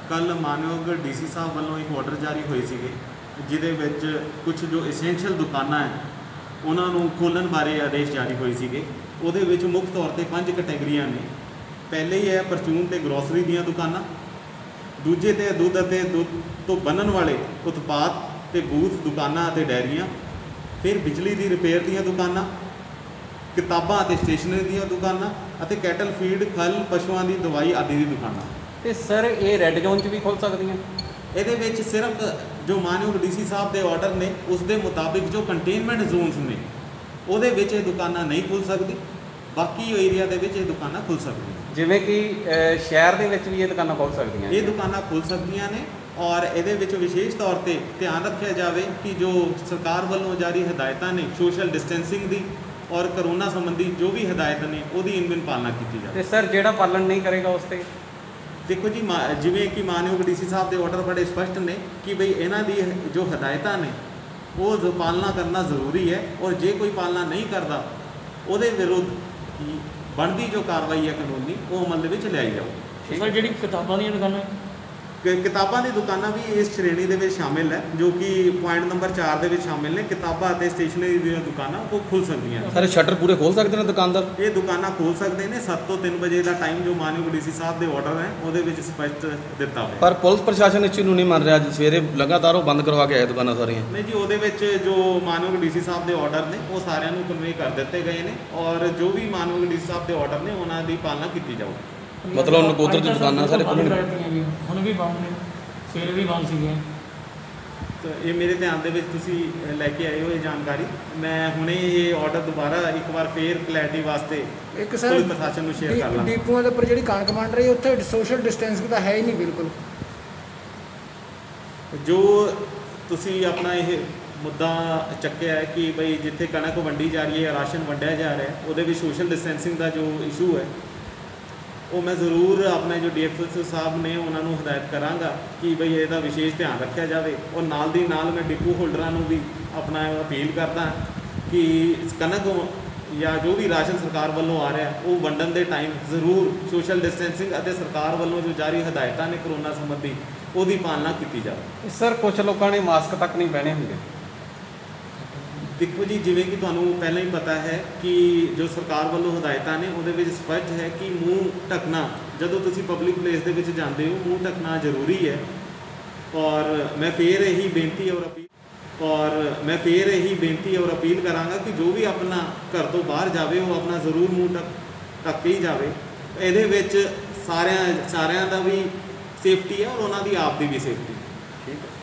ਕੱਲ੍ਹ ਮਾਨਯੋਗ ਡੀਸੀ ਸਾਹਿਬ ਵੱਲੋਂ ਇੱਕ ਆਰਡਰ ਜਾਰੀ ਹੋਏ ਸੀਗੇ ਜਿਹਦੇ ਵਿੱਚ ਕੁਝ ਜੋ ਐਸੈਂਸ਼ੀਅਲ ਦੁਕਾਨਾਂ ਹੈ ਉਹਨਾਂ ਨੂੰ ਖੋਲ੍ਹਣ ਬਾਰੇ ਆਦੇਸ਼ ਜਾਰੀ ਹੋਏ ਸੀਗੇ। ਉਹਦੇ ਵਿੱਚ ਮੁੱਖ ਤੌਰ 'ਤੇ 5 ਕੈਟੇਗਰੀਆਂ ਨੇ। ਪਹਿਲੇ ਹੀ ਹੈ ਪਰਚੂਨ ਤੇ ਗਰੋਸਰੀ ਦੀਆਂ ਦੁਕਾਨਾਂ, ਦੂਜੇ 'ਤੇ ਦੁੱਧ ਅਤੇ ਦੁੱਧ ਤੋਂ ਬਣਨ ਵਾਲੇ ਉਤਪਾਦ ਤੇ ਬੂਥ ਦੁਕਾਨਾਂ ਅਤੇ ਡੈਰੀਆਂ, ਫਿਰ ਬਿਜਲੀ ਦੀ ਰਿਪੇਅਰ ਦੀਆਂ ਦੁਕਾਨਾਂ, ਕਿਤਾਬਾਂ ਅਤੇ ਸਟੇਸ਼ਨਰੀ ਦੀਆਂ ਦੁਕਾਨਾਂ ਅਤੇ ਕੈਟਲ ਫੀਡ, ਖਲ, ਪਸ਼ੂਆਂ ਦੀ ਦਵਾਈ ਆਦਿ ਦੀ ਦੁਕਾਨਾਂ। ਤੇ ਸਰ ਇਹ ਰੈੱਡ ਜ਼ੋਨ 'ਚ ਵੀ ਖੁੱਲ੍ਹ ਸਕਦੀਆਂ? ਇਹਦੇ ਵਿੱਚ ਸਿਰਫ ਜੋ ਮਾਨਯੋਗ ਡੀਸੀ ਸਾਹਿਬ ਦੇ ਆਰਡਰ ਨੇ ਉਸ ਦੇ ਮੁਤਾਬਿਕ ਜੋ ਕੰਟੇਨਮੈਂਟ ਜ਼ੋਨਸ ਨੇ ਉਹਦੇ ਵਿੱਚ ਇਹ ਦੁਕਾਨਾਂ ਨਹੀਂ ਖੁੱਲ੍ਹ ਸਕਦੀ, ਬਾਕੀ ਏਰੀਆ ਦੇ ਵਿੱਚ ਇਹ ਦੁਕਾਨਾਂ ਖੁੱਲ੍ਹ ਸਕਦੀਆਂ। ਜਿਵੇਂ ਕਿ ਸ਼ਹਿਰ ਦੇ ਵਿੱਚ ਵੀ ਇਹ ਦੁਕਾਨਾਂ ਖੁੱਲ੍ਹ ਸਕਦੀਆਂ? ਇਹ ਦੁਕਾਨਾਂ ਖੁੱਲ੍ਹ ਸਕਦੀਆਂ ਨੇ ਔਰ ਇਹਦੇ ਵਿੱਚ ਵਿਸ਼ੇਸ਼ ਤੌਰ 'ਤੇ ਧਿਆਨ ਰੱਖਿਆ ਜਾਵੇ ਕਿ ਜੋ ਸਰਕਾਰ ਵੱਲੋਂ ਜਾਰੀ ਹਦਾਇਤਾਂ ਨੇ ਸੋਸ਼ਲ ਡਿਸਟੈਂਸਿੰਗ ਦੀ ਔਰ ਕਰੋਨਾ ਸੰਬੰਧੀ ਜੋ ਵੀ ਹਦਾਇਤ ਨੇ ਉਹਦੀ ਇਨਵਿਨ ਪਾਲਣਾ ਕੀਤੀ ਜਾਵੇ। ਤੇ ਸਰ ਜਿਹੜਾ ਪਾਲਣ ਨਹੀਂ ਕਰੇਗਾ ਉਸ 'ਤੇ? ਦੇਖੋ ਜੀ, ਜਿਵੇਂ ਕਿ ਮਾਨਯੋਗ ਡੀਸੀ ਸਾਹਿਬ ਦੇ ਆਰਡਰ ਬੜੇ ਸਪਸ਼ਟ ਨੇ ਕਿ ਬਈ ਇਹਨਾਂ ਦੀ ਜੋ ਹਦਾਇਤਾਂ ਨੇ ਉਹ ਪਾਲਣਾ ਕਰਨਾ ਜ਼ਰੂਰੀ ਹੈ ਔਰ ਜੇ ਕੋਈ ਪਾਲਣਾ ਨਹੀਂ ਕਰਦਾ ਉਹਦੇ ਵਿਰੁੱਧ ਬਣਦੀ ਜੋ ਕਾਰਵਾਈ ਹੈ ਕਾਨੂੰਨੀ ਉਹ ਅਮਲ ਦੇ ਵਿੱਚ ਲਿਆਈ ਜਾਊ। ਸਰ ਜਿਹੜੀ ਕਿਤਾਬਾਂ ਦੀਆਂ ਦੁਕਾਨਾਂ, ਕਿਤਾਬਾਂ ਦੀ ਦੁਕਾਨਾਂ ਵੀ ਇਸ ਸ਼੍ਰੇਣੀ ਦੇ ਵਿੱਚ ਸ਼ਾਮਿਲ ਹੈ ਜੋ ਕਿ ਪੁਆਇੰਟ ਨੰਬਰ 4 ਦੇ ਵਿੱਚ ਸ਼ਾਮਿਲ ਨੇ। ਕਿਤਾਬਾਂ ਅਤੇ ਸਟੇਸ਼ਨਰੀ ਦੀਆਂ ਦੁਕਾਨਾਂ ਉਹ ਖੁੱਲ੍ਹ ਸਕਦੀਆਂ ਨੇ। ਸਰ ਸ਼ਟਰ ਪੂਰੇ ਖੋਲ੍ਹ ਸਕਦੇ ਨੇ ਦੁਕਾਨਦਾਰ? ਇਹ ਦੁਕਾਨਾਂ ਖੋਲ੍ਹ ਸਕਦੇ ਨੇ 7 ਤੋਂ 3 ਵਜੇ ਦਾ ਟਾਈਮ ਜੋ ਮਾਨਯੋਗ ਡੀਸੀ ਸਾਹਿਬ ਦੇ ਆਰਡਰ ਹੈ ਉਹਦੇ ਵਿੱਚ ਸਪਸ਼ਟ ਦਿੱਤਾ ਹੋਇਆ। ਪਰ ਪੁਲਿਸ ਪ੍ਰਸ਼ਾਸਨ ਇਸ ਚੀਜ਼ ਨੂੰ ਨਹੀਂ ਮੰਨ ਰਿਹਾ। ਅੱਜ ਸਵੇਰੇ ਲਗਾਤਾਰ ਉਹ ਬੰਦ ਕਰਵਾ ਕੇ ਆਏ ਦੁਕਾਨਾਂ ਸਾਰੀਆਂ। ਨਹੀਂ ਜੀ, ਉਹਦੇ ਵਿੱਚ ਜੋ ਮਾਨਯੋਗ ਡੀਸੀ ਸਾਹਿਬ ਦੇ ਆਰਡਰ ਨੇ ਉਹ ਸਾਰਿਆਂ ਨੂੰ ਕਨਵੇ ਕਰ ਦਿੱਤੇ ਗਏ ਨੇ ਔਰ ਜੋ ਵੀ ਮਾਨਯੋਗ ਡੀਸੀ ਸਾਹਿਬ ਦੇ ਆਰਡਰ ਨੇ ਉਹਨਾਂ ਦੀ ਪਾਲਣਾ ਕੀਤੀ ਜਾਊਗੀ। ਮਤਲਬ ਨਕੋਦਰ ਦੀ ਦੁਕਾਨਾਂ ਸਾਰੇ ਖੁੱਲ੍ਹਣ? ਹੁਣ ਵੀ ਬੰਦ ਨੇ, ਸਵੇਰੇ ਵੀ ਬੰਦ ਸੀਗੀਆਂ। ਤਾਂ ਇਹ ਮੇਰੇ ਧਿਆਨ ਦੇ ਵਿੱਚ ਤੁਸੀਂ ਲੈ ਕੇ ਆਏ ਹੋ ਇਹ ਜਾਣਕਾਰੀ। ਮੈਂ ਹੁਣੇ ਇਹ ਆਰਡਰ ਦੁਬਾਰਾ ਇੱਕ ਵਾਰ ਫੇਰ ਕਲੈਰਿਟੀ ਵਾਸਤੇ ਇੱਕ ਸਰ ਪੁਲਿਸ ਪ੍ਰਸ਼ਾਸਨ ਨੂੰ ਸ਼ੇਅਰ ਕਰ ਲਾਂ। ਡੀਪੂਆਂ ਦੇ ਉੱਪਰ ਜਿਹੜੀ ਕਣਕ ਮੰਡ ਰਹੀ ਉੱਥੇ ਸੋਸ਼ਲ ਡਿਸਟੈਂਸਿੰਗ ਤਾਂ ਹੈ ਹੀ ਨਹੀਂ ਬਿਲਕੁਲ। ਜੋ ਤੁਸੀਂ ਆਪਣਾ ਇਹ ਮੁੱਦਾ ਚੱਕਿਆ ਹੈ ਕਿ ਬਈ ਜਿੱਥੇ ਕਣਕ ਵੰਡੀ ਜਾ ਰਹੀ ਹੈ, ਰਾਸ਼ਨ ਵੰਡਿਆ ਜਾ ਰਿਹਾ ਹੈ, ਉਹਦੇ ਵਿੱਚ ਸੋਸ਼ਲ ਡਿਸਟੈਂਸਿੰਗ ਦਾ ਜੋ ਇਸ਼ੂ ਹੈ ਉਹ ਮੈਂ ਜ਼ਰੂਰ ਆਪਣੇ ਜੋ ਡੀਐਫਐਸ ਸਾਹਿਬ ਨੇ ਉਹਨਾਂ ਨੂੰ ਹਦਾਇਤ ਕਰਾਂਗਾ ਕਿ ਬਈ ਇਹਦਾ ਵਿਸ਼ੇਸ਼ ਧਿਆਨ ਰੱਖਿਆ ਜਾਵੇ। ਔਰ ਨਾਲ ਦੀ ਨਾਲ ਮੈਂ ਡਿਪੂ ਹੋਲਡਰਾਂ ਨੂੰ ਵੀ ਆਪਣਾ ਅਪੀਲ ਕਰਦਾ ਕਿ ਕਣਕ ਜਾਂ ਜੋ ਵੀ ਰਾਸ਼ਨ ਸਰਕਾਰ ਵੱਲੋਂ ਆ ਰਿਹਾ ਉਹ ਵੰਡਣ ਦੇ ਟਾਈਮ ਜ਼ਰੂਰ ਸੋਸ਼ਲ ਡਿਸਟੈਂਸਿੰਗ ਅਤੇ ਸਰਕਾਰ ਵੱਲੋਂ ਜੋ ਜਾਰੀ ਹਦਾਇਤਾਂ ਨੇ ਕਰੋਨਾ ਸੰਬੰਧੀ ਉਹਦੀ ਪਾਲਣਾ ਕੀਤੀ ਜਾਵੇ। ਸਰ ਕੁਝ ਲੋਕਾਂ ਨੇ ਮਾਸਕ ਤੱਕ ਨਹੀਂ ਪਹਿਨੇ ਹੁੰਦੇ। ਦੇਖੋ ਜੀ, ਜਿਵੇਂ ਕਿ ਤੁਹਾਨੂੰ ਪਹਿਲਾਂ ਹੀ ਪਤਾ ਹੈ ਕਿ ਜੋ ਸਰਕਾਰ ਵੱਲੋਂ ਹਦਾਇਤਾਂ ਨੇ ਉਹਦੇ ਵਿੱਚ ਸਪਸ਼ਟ ਹੈ ਕਿ ਮੂੰਹ ਢੱਕਣਾ ਜਦੋਂ ਤੁਸੀਂ ਪਬਲਿਕ ਪਲੇਸ ਦੇ ਵਿੱਚ ਜਾਂਦੇ ਹੋ ਮੂੰਹ ਢੱਕਣਾ ਜ਼ਰੂਰੀ ਹੈ। ਔਰ ਮੈਂ ਫੇਰ ਇਹੀ ਬੇਨਤੀ ਔਰ ਅਪੀਲ ਕਰਾਂਗਾ ਕਿ ਜੋ ਵੀ ਆਪਣਾ ਘਰ ਤੋਂ ਬਾਹਰ ਜਾਵੇ ਉਹ ਆਪਣਾ ਜ਼ਰੂਰ ਮੂੰਹ ਢੱਕ ਕੇ ਹੀ ਜਾਵੇ। ਇਹਦੇ ਵਿੱਚ ਸਾਰਿਆਂ ਦਾ ਵੀ ਸੇਫਟੀ ਹੈ ਔਰ ਉਹਨਾਂ ਦੀ ਆਪ ਦੀ ਵੀ ਸੇਫਟੀ। ਠੀਕ ਹੈ।